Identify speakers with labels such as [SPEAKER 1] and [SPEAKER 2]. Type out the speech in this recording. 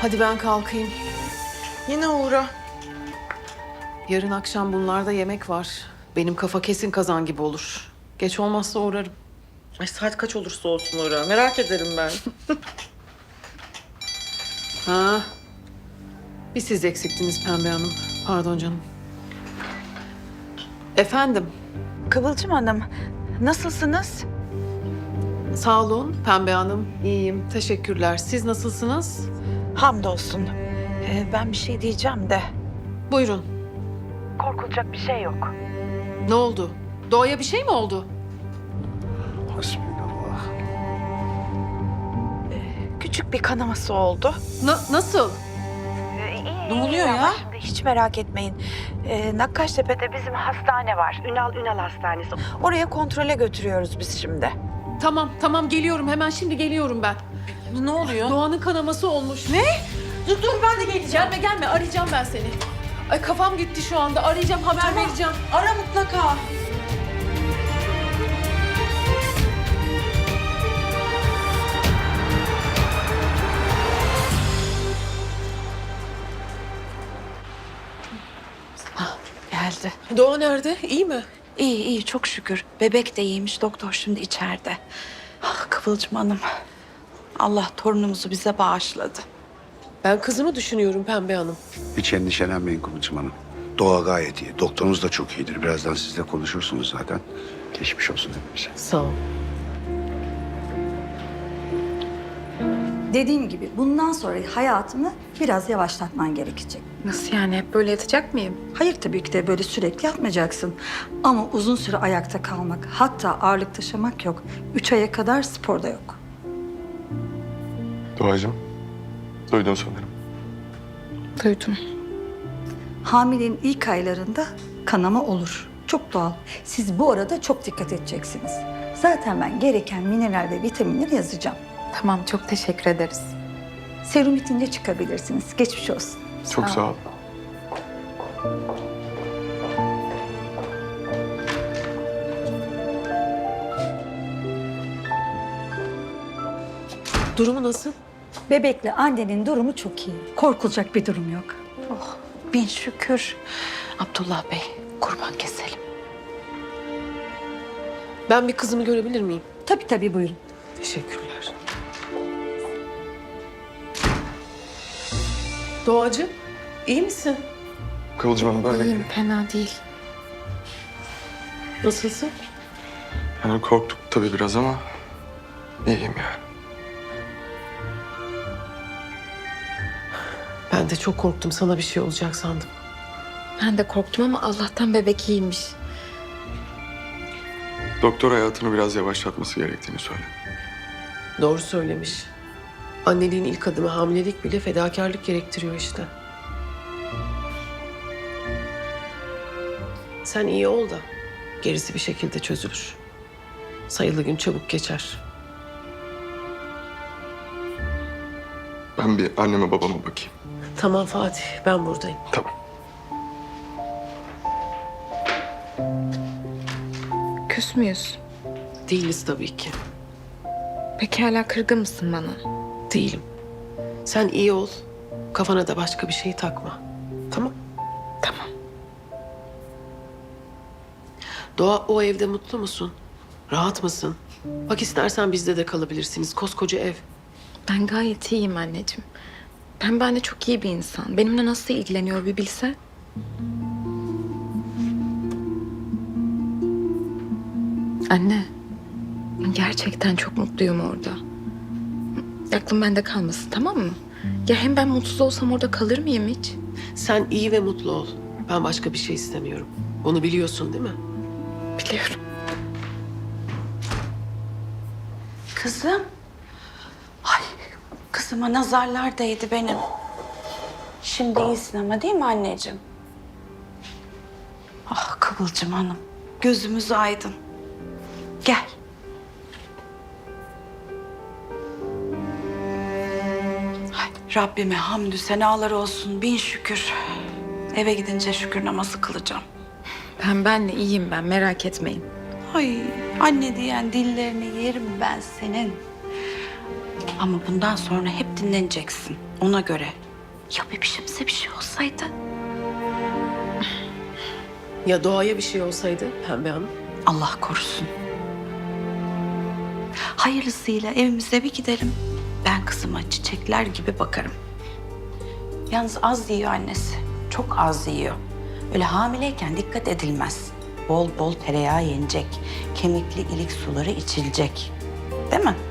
[SPEAKER 1] Hadi ben kalkayım.
[SPEAKER 2] Yine uğra.
[SPEAKER 1] Yarın akşam bunlarda yemek var. Benim kafa kesin kazan gibi olur. Geç olmazsa uğrarım.
[SPEAKER 2] Ay saat kaç olursa olsun uğra. Merak ederim ben.
[SPEAKER 1] Ha. Bir siz eksiktiniz Pembe Hanım. Pardon canım. Efendim.
[SPEAKER 3] Kıvılcım Hanım, nasılsınız?
[SPEAKER 1] Sağ olun Pembe Hanım. İyiyim. Teşekkürler. Siz nasılsınız?
[SPEAKER 3] Hamdolsun. Ben bir şey diyeceğim de.
[SPEAKER 1] Buyurun.
[SPEAKER 3] Korkulacak bir şey yok.
[SPEAKER 1] Ne oldu? Doğa'ya bir şey mi oldu?
[SPEAKER 4] Hasbinallah.
[SPEAKER 3] Küçük bir kanaması oldu.
[SPEAKER 1] Nasıl?
[SPEAKER 2] Ne oluyor ya?
[SPEAKER 3] Hiç merak etmeyin. Nakkaştepe'de bizim hastane var. Ünal Hastanesi. Oraya kontrole götürüyoruz biz şimdi.
[SPEAKER 1] Tamam geliyorum. Hemen şimdi geliyorum ben.
[SPEAKER 2] Ne oluyor?
[SPEAKER 1] Doğan'ın kanaması olmuş.
[SPEAKER 2] Ne? Dur ben de geleceğim.
[SPEAKER 1] Gelme arayacağım ben seni. Ay kafam gitti şu anda. Arayacağım haber vereceğim.
[SPEAKER 2] Ara mutlaka.
[SPEAKER 3] Geldi.
[SPEAKER 1] Doğa nerede? İyi mi?
[SPEAKER 3] İyi çok şükür. Bebek de iyiymiş. Doktor şimdi içeride. Ah Kıvılcım Hanım. Allah torunumuzu bize bağışladı.
[SPEAKER 1] Ben kızımı düşünüyorum Pembe Hanım.
[SPEAKER 4] Hiç endişelenmeyin Kıvılcım Hanım. Doğa gayet iyi. Doktorunuz da çok iyidir. Birazdan sizle konuşursunuz zaten. Geçmiş olsun hepimize.
[SPEAKER 1] Sağ ol.
[SPEAKER 5] Dediğim gibi bundan sonra hayatını biraz yavaşlatman gerekecek.
[SPEAKER 6] Nasıl yani? Hep böyle yatacak mıyım?
[SPEAKER 5] Hayır tabii ki de böyle sürekli yatmayacaksın. Ama uzun süre ayakta kalmak, hatta ağırlık taşımak yok. 3 aya kadar spor da yok.
[SPEAKER 7] Doğacığım, duydun sanırım.
[SPEAKER 6] Duydum.
[SPEAKER 5] Hamilenin ilk aylarında kanama olur. Çok doğal. Siz bu arada çok dikkat edeceksiniz. Zaten ben gereken mineral ve vitaminleri yazacağım.
[SPEAKER 6] Tamam, çok teşekkür ederiz.
[SPEAKER 5] Serum bitince çıkabilirsiniz. Geçmiş olsun.
[SPEAKER 7] Çok sağ ol.
[SPEAKER 1] Durumu nasıl?
[SPEAKER 5] Bebekle annenin durumu çok iyi. Korkulacak bir durum yok.
[SPEAKER 3] Bin şükür. Abdullah Bey, kurban keselim.
[SPEAKER 1] Ben bir kızımı görebilir miyim?
[SPEAKER 5] Tabii buyurun.
[SPEAKER 1] Teşekkürler. Doğacığım, iyi misin?
[SPEAKER 7] Kıvılcım Hanım böyle
[SPEAKER 6] İyiyim, fena değil.
[SPEAKER 1] Nasılsın?
[SPEAKER 7] yani korktuk tabii biraz ama iyiyim yani.
[SPEAKER 1] Ben de çok korktum. Sana bir şey olacak sandım.
[SPEAKER 6] Ben de korktum ama Allah'tan bebek iyiymiş.
[SPEAKER 7] Doktor hayatını biraz yavaşlatması gerektiğini söyledi.
[SPEAKER 1] Doğru söylemiş. Anneliğin ilk adımı hamilelik bile fedakarlık gerektiriyor işte. Sen iyi ol da gerisi bir şekilde çözülür. Sayılı gün çabuk geçer.
[SPEAKER 7] Ben bir anneme babama bakayım.
[SPEAKER 1] Tamam Fatih, ben buradayım.
[SPEAKER 7] Tamam.
[SPEAKER 6] Küs müyüz?
[SPEAKER 1] Değiliz tabii ki.
[SPEAKER 6] Peki hala kırgın mısın bana?
[SPEAKER 1] Değilim. Sen iyi ol. Kafana da başka bir şey takma. Tamam?
[SPEAKER 6] Tamam.
[SPEAKER 1] Doğa, o evde mutlu musun? Rahat mısın? Bak istersen bizde de kalabilirsiniz. Koskoca ev.
[SPEAKER 6] Ben gayet iyiyim anneciğim. Pembe anne çok iyi bir insan. Benimle nasıl ilgileniyor bir bilse. Anne, gerçekten çok mutluyum orada. Aklım bende kalmasın, tamam mı? Ya hem ben mutsuz olsam orada kalır mıyım hiç?
[SPEAKER 1] Sen iyi ve mutlu ol. Ben başka bir şey istemiyorum. Bunu biliyorsun değil mi?
[SPEAKER 6] Biliyorum.
[SPEAKER 3] Kızım. Ay, kızıma nazarlar değdi benim. Şimdi iyisin ama değil mi anneciğim? Ah Kıvılcım Hanım, gözümüz aydın. Gel. Ay, Rabbime hamdü senalar olsun, bin şükür. Eve gidince şükür namazı kılacağım.
[SPEAKER 6] Pembe anne iyiyim ben, merak etmeyin.
[SPEAKER 3] Ay anne diyen dillerini yerim ben senin. Ama bundan sonra hep dinleneceksin. Ona göre. Ya bebişimize bir şey olsaydı?
[SPEAKER 2] Ya Doğa'ya bir şey olsaydı Pembe Hanım?
[SPEAKER 3] Allah korusun. Hayırlısıyla evimize bir gidelim. Ben kızıma çiçekler gibi bakarım. Yalnız az yiyor annesi. Çok az yiyor. Öyle hamileyken dikkat edilmez. Bol bol tereyağı yenecek. Kemikli ilik suları içilecek. Değil mi?